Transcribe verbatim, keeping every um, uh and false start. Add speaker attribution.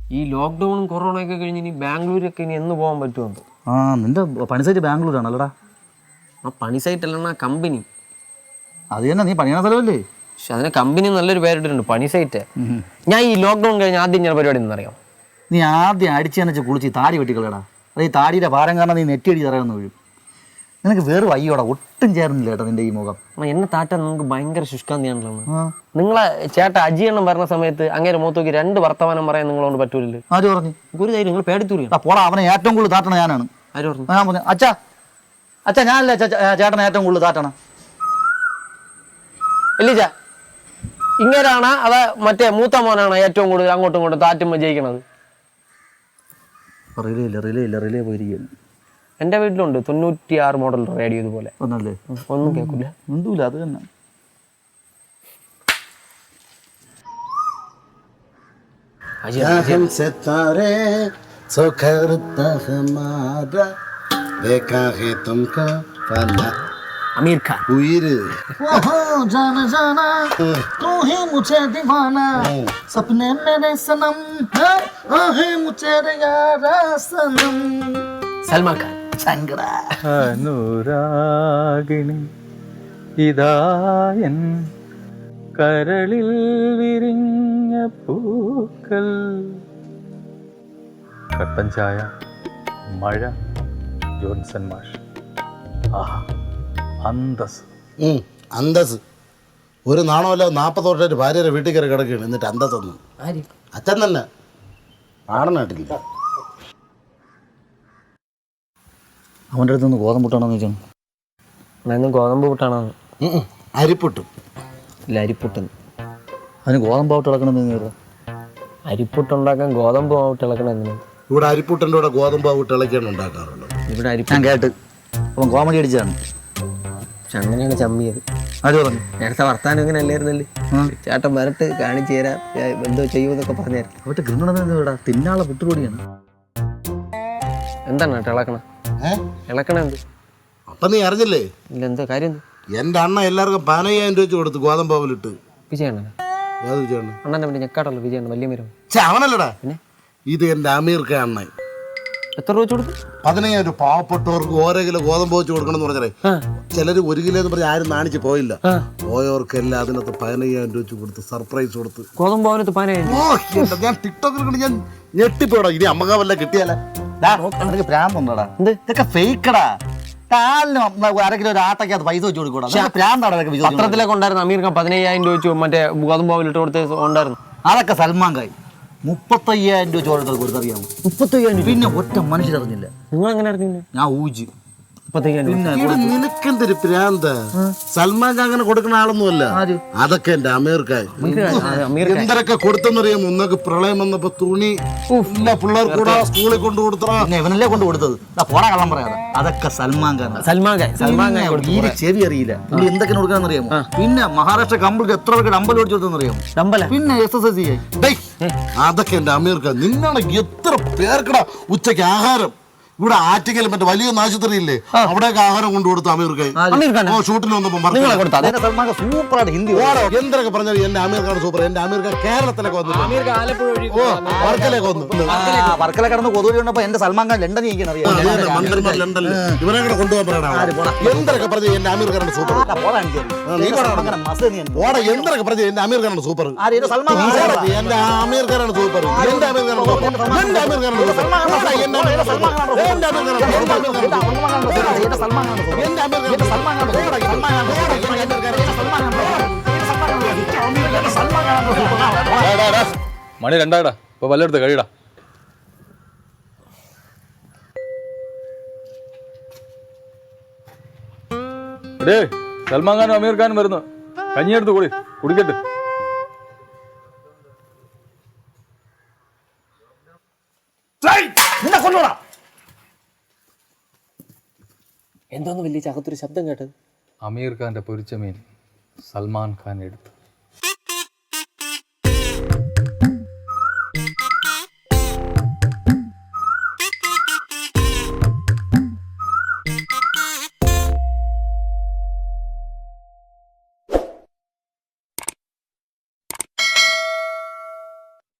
Speaker 1: ഈ ലോക്ക്ഡൗണും കൊറോണയൊക്കെ കഴിഞ്ഞ് ഇനി ബാംഗ്ലൂരൊക്കെ ഇനി എന്ന് പോകാൻ പറ്റുമെന്ന്.
Speaker 2: ആ നിന്റെ പണി സൈറ്റ് ബാംഗ്ലൂരാണല്ലടാ?
Speaker 1: ആ പണി സൈറ്റ് അല്ലണ കമ്പനി.
Speaker 2: അത് തന്നെ, നീ പണിയണ സ്ഥലമല്ലേ?
Speaker 1: പക്ഷെ അതിന് കമ്പനി നല്ലൊരു പേരിട്ടിട്ടുണ്ട്, പണി സൈറ്റ്. ഞാൻ ഈ ലോക്ക്ഡൗൺ കഴിഞ്ഞ് ആദ്യം ഞാൻ പരിപാടി എന്നറിയാം.
Speaker 2: നീ ആദ്യം അടിച്ചെന്ന് കുളിച്ച് താടി വെട്ടിക്കളടാ. അത് ഈ താടിയുടെ ഭാരം കാരണം നീ നെറ്റിയടി തറയുന്ന വീഴും. നിനക്ക് വേറെ വയ്യോടാ, ഒട്ടും ചേർന്നില്ല കേട്ടോ നിന്റെ ഈ മുഖം.
Speaker 1: എന്നെ താറ്റാൻ നമുക്ക് ഭയങ്കര ശുഷ്കാന്തിയാണല്ലോ. നിങ്ങളെ ചേട്ട അജിയെണ്ണം പറഞ്ഞ സമയത്ത് അങ്ങനെ മുഖത്ത് നോക്കി രണ്ട് വർത്തമാനം പറയാൻ നിങ്ങളോട് പറ്റൂലല്ലോ.
Speaker 2: ആര് പറഞ്ഞു?
Speaker 1: ഒരു ധൈര്യം നിങ്ങൾ പേടിത്തൂരി.
Speaker 2: പോടാ, അവനെ ഏറ്റവും കൂടുതൽ താട്ടണ ഞാനാണ്.
Speaker 1: ആര് പറഞ്ഞു?
Speaker 2: ഞാൻ പറഞ്ഞു അച്ഛാ അച്ഛാ ഞാനല്ലേ ചേട്ടനെ ഏറ്റവും കൂടുതൽ താട്ടണം.
Speaker 1: ഇല്ല ഇങ്ങനാണ് അതാ മറ്റേ മൂത്ത മോനാണ് ഏറ്റവും കൂടുതൽ അങ്ങോട്ടും ഇങ്ങോട്ടും താറ്റുമ്പോൾ ജയിക്കണത്?
Speaker 2: റിലേ ഇല്ല റിലേ ഇല്ല റിലേ പോയിരിക്കും.
Speaker 1: എൻ്റെ വീട്ടിലുണ്ട് തൊണ്ണൂറ്റി ആറ് മോഡൽ റേഡിയോ ഇതുപോലെ.
Speaker 2: ഒന്നല്ലേ?
Speaker 1: ഒന്നും കേൾക്കില്ല,
Speaker 2: ഒന്നുമില്ല. അത് തന്നെ.
Speaker 1: അമീർ ഖാൻ
Speaker 2: ഉയിര് जाना जाना तू ही मुझे दीवाना सपने मेरे सनम है मुझे यारा सनम.
Speaker 1: സൽമാൻ ഖാൻ
Speaker 2: ചങ്കട
Speaker 3: അനുരാഗിണി ഇതായൻ കരളിൽ വിരിഞ്ഞ പൂക്കൾ. കട്ടൻ ചായ, മഴ, ജോൺസൺ മാഷ്. ആഹാ അന്തസ്.
Speaker 4: അന്തസ് ഒരു നാണമല്ല. നാൽപ്പത് വർഷമായിട്ട് ഭാര്യയുടെ വീട്ടിൽ കയറി കിടക്കുകയാണ്, എന്നിട്ട് അന്തസ് ഒന്നും. അച്ഛൻ തന്നെ ആടനായിട്ടില്ല.
Speaker 2: അവൻ്റെ അടുത്ത് നിന്ന് ഗോതമ്പ് പുട്ടാണെന്ന് വെച്ചാൽ
Speaker 1: ഗോതമ്പ് പുട്ടാണെന്ന്.
Speaker 4: അരിപ്പുട്ടും
Speaker 1: ഇല്ല അരിപ്പുട്ടെന്ന്.
Speaker 2: അതിന് ഗോതമ്പ് ആവട്ട് ഇളക്കണമെന്ന്.
Speaker 1: അരിപ്പുട്ടുണ്ടാക്കാൻ ഗോതമ്പ് ആവട്ട് ഇളക്കണം എന്തിനാ?
Speaker 4: ഇവിടെ അരിപ്പുട്ടിൻ്റെ കൂടെ ഗോതമ്പ് ആവട്ട് ഇളക്കിയാണ് ഉണ്ടാക്കാറുള്ളത്.
Speaker 1: ഇവിടെ അരിപ്പ്
Speaker 2: ഞാൻ കേട്ട് അപ്പം കോമഡി അടിച്ചാണ്.
Speaker 1: പക്ഷെ അങ്ങനെയാണ് ചമ്മിയത്.
Speaker 2: ആര് പറഞ്ഞു?
Speaker 1: നേരത്തെ വർത്താനം ഇങ്ങനെ അല്ലായിരുന്നല്ലേ? ചേട്ടൻ വരട്ട് കാണിച്ചു തരാം എന്തോ ചെയ്യുമെന്നൊക്കെ പറഞ്ഞായിരുന്നു.
Speaker 2: അവരുടെ ഗൃഹണ തിന്നാളെ വിട്ടുകൂടിയാണ്.
Speaker 1: എന്താണ് കേട്ടോ ഇളക്കണ ഇളക്കണ എന്ത്?
Speaker 4: അപ്പം നീ അറിഞ്ഞില്ലേ?
Speaker 1: ഇല്ല എന്താ കാര്യം?
Speaker 4: എൻ്റെ അണ്ണ എല്ലാവർക്കും പതിനയ്യായിരം രൂപ വെച്ച് കൊടുത്തു ഗോതമ്പ് ആവലിട്ട്.
Speaker 1: വിജയണ്ണ?
Speaker 4: ഏത് വിജയണ്ണ?
Speaker 1: അണ്ണൻ്റെ പിന്നെ ഞെക്കാട്ടുള്ള വിജയണ്ണ വലിയ മരം.
Speaker 4: ചേ അവനല്ലടാ, ഇത് എൻ്റെ അമീർ ഖാൻ അണ്ണൻ.
Speaker 1: എത്ര രൂപ കൊടുത്തു?
Speaker 4: പതിനയ്യായിരം രൂപ. പാവപ്പെട്ടവർക്ക് ഓരോ കിലോ ഗോതമ്പ് വെച്ച് കൊടുക്കണം എന്ന് പറഞ്ഞാലേ ചിലര് ഒരു കിലോ എന്ന് പറഞ്ഞാൽ ആരും നാണിച്ച് പോയില്ല. പോയവർക്കെല്ലാം അതിനകത്ത് പതിനയ്യായിരം രൂപ വെച്ച് കൊടുത്ത് സർപ്രൈസ് കൊടുത്ത്.
Speaker 1: ഗോതമ്പ് ഭവനത്ത് പതിനായിരം?
Speaker 4: ഞാൻ ടിക്ടോക്കിൽ കണ്ട് ഞാൻ ഞെട്ടിപ്പോടാ. ഇനി അമ്മക വല്ല കിട്ടിയാലേ.
Speaker 2: പ്രാന്തുണ്ടോടാ? ഇതൊക്കെ ഫേക്കടാ. കാലിന് അര കിലോ ഒരു ആട്ടയ്ക്കകത്ത് പൈസ വെച്ച് കൊടുക്കൂടാ. പ്രാന്താടാ.
Speaker 1: പത്രത്തിലൊക്കെ ഉണ്ടായിരുന്നു അമീർ ഖാൻ പതിനയ്യായിരം രൂപ വെച്ചു മറ്റേ ഗോതമ്പ് ഭവനിലിട്ട് കൊടുത്ത് ഉണ്ടായിരുന്നു.
Speaker 2: അതൊക്കെ സൽമാൻ ഖാൻ മുപ്പത്തയ്യായിരം രൂപ ചോദിച്ചത് കൊടുത്തറിയാമോ? മുപ്പത്തയ്യായിരം. പിന്നെ ഒറ്റ മനുഷ്യരറിഞ്ഞില്ല.
Speaker 1: നിങ്ങൾ എങ്ങനെ അറിഞ്ഞില്ല?
Speaker 2: ഞാൻ ഊജി.
Speaker 4: നിനക്കെന്തൊരു പ്രാന്ത? സൽമാൻ ഖാൻ അങ്ങനെ കൊടുക്കുന്ന ആളൊന്നുമല്ല. അതൊക്കെ എന്റെ അമീർ ഖാൻ എന്തൊക്കെ കൊടുത്തെന്നറിയാമോ? ഒന്നൊക്കെ പ്രളയം വന്നപ്പോ തുണി എല്ലാ പിള്ളേർക്ക് കൂടെ സ്കൂളിൽ കൊണ്ടു കൊടുത്തറ.
Speaker 2: ഇവനല്ലേ കൊണ്ട് കൊടുത്തത്? പോടാ കള്ളം പറയാതെ. അതൊക്കെ സൽമാൻ ഖാൻ.
Speaker 1: സൽമാൻ ഖാൻ സൽമാൻ ഖാൻ
Speaker 2: ഈ ചെവി അറിയില്ല. പുള്ളി എന്തൊക്കെ കൊടുക്കാന്ന് അറിയാമോ? പിന്നെ മഹാരാഷ്ട്ര കമ്പിൾക്ക് എത്ര പേർക്ക് അമ്പലം ഓടിച്ചു കൊടുത്തെന്നറിയാമോ?
Speaker 1: അമ്പലം
Speaker 2: പിന്നെ എസ് എസ് എസ് സി.
Speaker 4: അതൊക്കെ എന്റെ അമീർ ഖാൻ. നിന്നാണ് എത്ര പേർക്കടാ ഉച്ചയ്ക്ക് ആഹാരം. ഇവിടെ ആറ്റിക്കൽ മറ്റേ വലിയ ആശുപത്രി ഇല്ലേ, അവിടെയൊക്കെ ആഹാരം കൊണ്ടു കൊടുത്തു അമീർ ഖാൻ. ഷൂട്ടിന് വന്നപ്പോ എന്തൊക്കെ പറഞ്ഞാൽ എന്റെ അമീർ ഖാൻ സൂപ്പർ. എന്റെ അമീർ ഖാൻ കേരളത്തിലൊക്കെ വന്നു, വർക്കലേക്ക് വന്നു.
Speaker 2: വർക്കല കടന്ന് കൊതുകി വന്നപ്പോ എന്റെ സൽമാൻ ഖാൻ ലണ്ടനിൽ
Speaker 4: മന്ത്രിമാർ ലണ്ടനിൽ ഇവരെ കൂടെ കൊണ്ടുപോകാൻ പറയണം. എന്തൊക്കെ പറഞ്ഞ എന്റെ അമീർ ഖാനാണ് സൂപ്പർ. എന്തൊക്കെ പറഞ്ഞ എന്റെ അമീർ ഖാനാണ് സൂപ്പർ. എന്റെ അമീർ ഖാനാണ് സൂപ്പർ. എന്റെ അമീർ ഖാനാണ് സൂപ്പർ. എന്റെ അമീർ ഖാനാണ് സൂപ്പർ.
Speaker 3: മണി രണ്ടാടാ. ഇപ്പൊ വല്ലെടുത്ത് കഴിയടാ. എടേ സൽമാൻ ഖാനും അമീർ ഖാനും വരുന്നു. കഞ്ഞിയെടുത്ത് കൂടി കുടിക്കട്ടെ.
Speaker 1: എന്തോന്ന് വലിയ ചകത്തൊരു ശബ്ദം കേട്ടത്?
Speaker 3: അമീർ ഖാന്റെ പൊരിച്ച മീൻ സൽമാൻ ഖാൻ എടുത്തു.